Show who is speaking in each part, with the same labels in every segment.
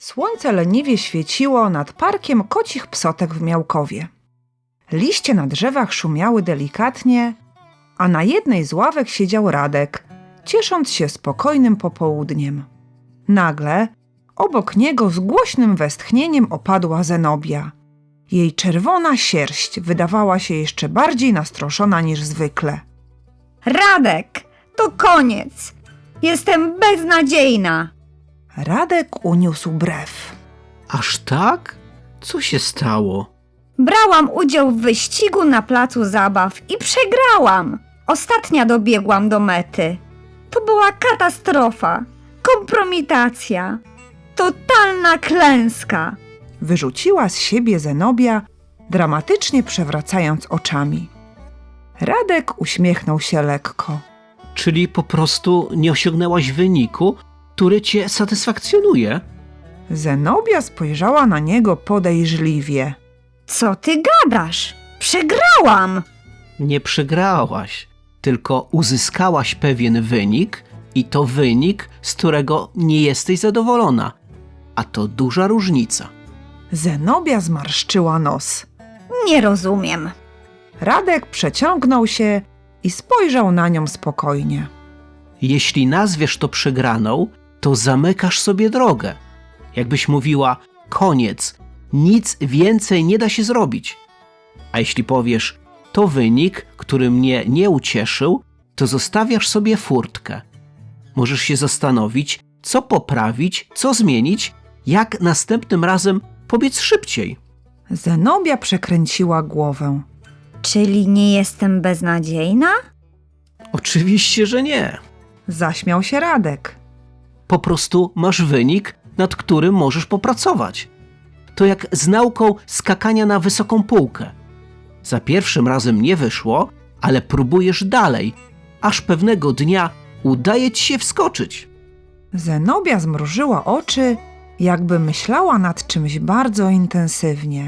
Speaker 1: Słońce leniwie świeciło nad parkiem kocich psotek w Miałkowie. Liście na drzewach szumiały delikatnie, a na jednej z ławek siedział Radek, ciesząc się spokojnym popołudniem. Nagle obok niego z głośnym westchnieniem opadła Zenobia. Jej czerwona sierść wydawała się jeszcze bardziej nastroszona niż zwykle.
Speaker 2: Radek, to koniec! Jestem beznadziejna!
Speaker 1: Radek uniósł brew.
Speaker 3: Aż tak? Co się stało?
Speaker 2: Brałam udział w wyścigu na placu zabaw i przegrałam. Ostatnia dobiegłam do mety. To była katastrofa, kompromitacja, totalna klęska.
Speaker 1: Wyrzuciła z siebie Zenobia, dramatycznie przewracając oczami. Radek uśmiechnął się lekko.
Speaker 3: Czyli po prostu nie osiągnęłaś wyniku, który cię satysfakcjonuje?
Speaker 1: Zenobia spojrzała na niego podejrzliwie.
Speaker 2: Co ty gadasz? Przegrałam!
Speaker 3: Nie przegrałaś, tylko uzyskałaś pewien wynik i to wynik, z którego nie jesteś zadowolona. A to duża różnica.
Speaker 1: Zenobia zmarszczyła nos.
Speaker 2: Nie rozumiem.
Speaker 1: Radek przeciągnął się i spojrzał na nią spokojnie.
Speaker 3: Jeśli nazwiesz to przegraną, to zamykasz sobie drogę. Jakbyś mówiła, koniec, nic więcej nie da się zrobić. A jeśli powiesz, to wynik, który mnie nie ucieszył, to zostawiasz sobie furtkę. Możesz się zastanowić, co poprawić, co zmienić, jak następnym razem pobiec szybciej.
Speaker 1: Zenobia przekręciła głowę.
Speaker 2: Czyli nie jestem beznadziejna?
Speaker 3: Oczywiście, że nie.
Speaker 1: Zaśmiał się Radek.
Speaker 3: Po prostu masz wynik, nad którym możesz popracować. To jak z nauką skakania na wysoką półkę. Za pierwszym razem nie wyszło, ale próbujesz dalej, aż pewnego dnia udaje ci się wskoczyć.
Speaker 1: Zenobia zmrużyła oczy, jakby myślała nad czymś bardzo intensywnie.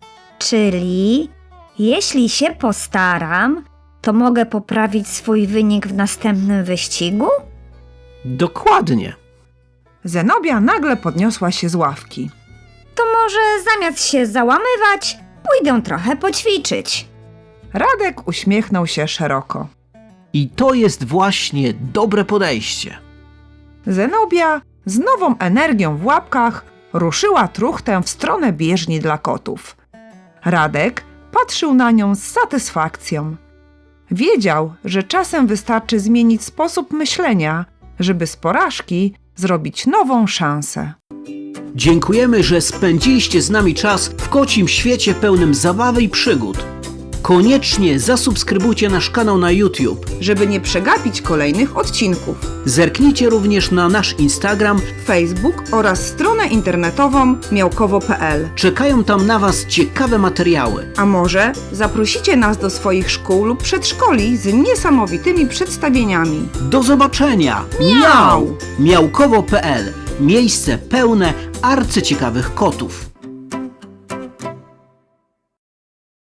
Speaker 2: Czyli jeśli się postaram, to mogę poprawić swój wynik w następnym wyścigu?
Speaker 3: Dokładnie.
Speaker 1: Zenobia nagle podniosła się z ławki.
Speaker 2: To może zamiast się załamywać, pójdę trochę poćwiczyć.
Speaker 1: Radek uśmiechnął się szeroko.
Speaker 3: I to jest właśnie dobre podejście.
Speaker 1: Zenobia z nową energią w łapkach ruszyła truchtę w stronę bieżni dla kotów. Radek patrzył na nią z satysfakcją. Wiedział, że czasem wystarczy zmienić sposób myślenia, żeby z porażki zrobić nową szansę.
Speaker 3: Dziękujemy, że spędziliście z nami czas w kocim świecie pełnym zabawy i przygód. Koniecznie zasubskrybujcie nasz kanał na YouTube.
Speaker 1: Żeby nie przegapić kolejnych odcinków.
Speaker 3: Zerknijcie również na nasz Instagram.
Speaker 1: Facebook oraz stronę internetową miałkowo.pl.
Speaker 3: Czekają tam na Was ciekawe materiały.
Speaker 1: A może zaprosicie nas do swoich szkół lub przedszkoli z niesamowitymi przedstawieniami.
Speaker 3: Do zobaczenia!
Speaker 1: Miau!
Speaker 3: Miałkowo.pl. Miejsce pełne arcyciekawych kotów.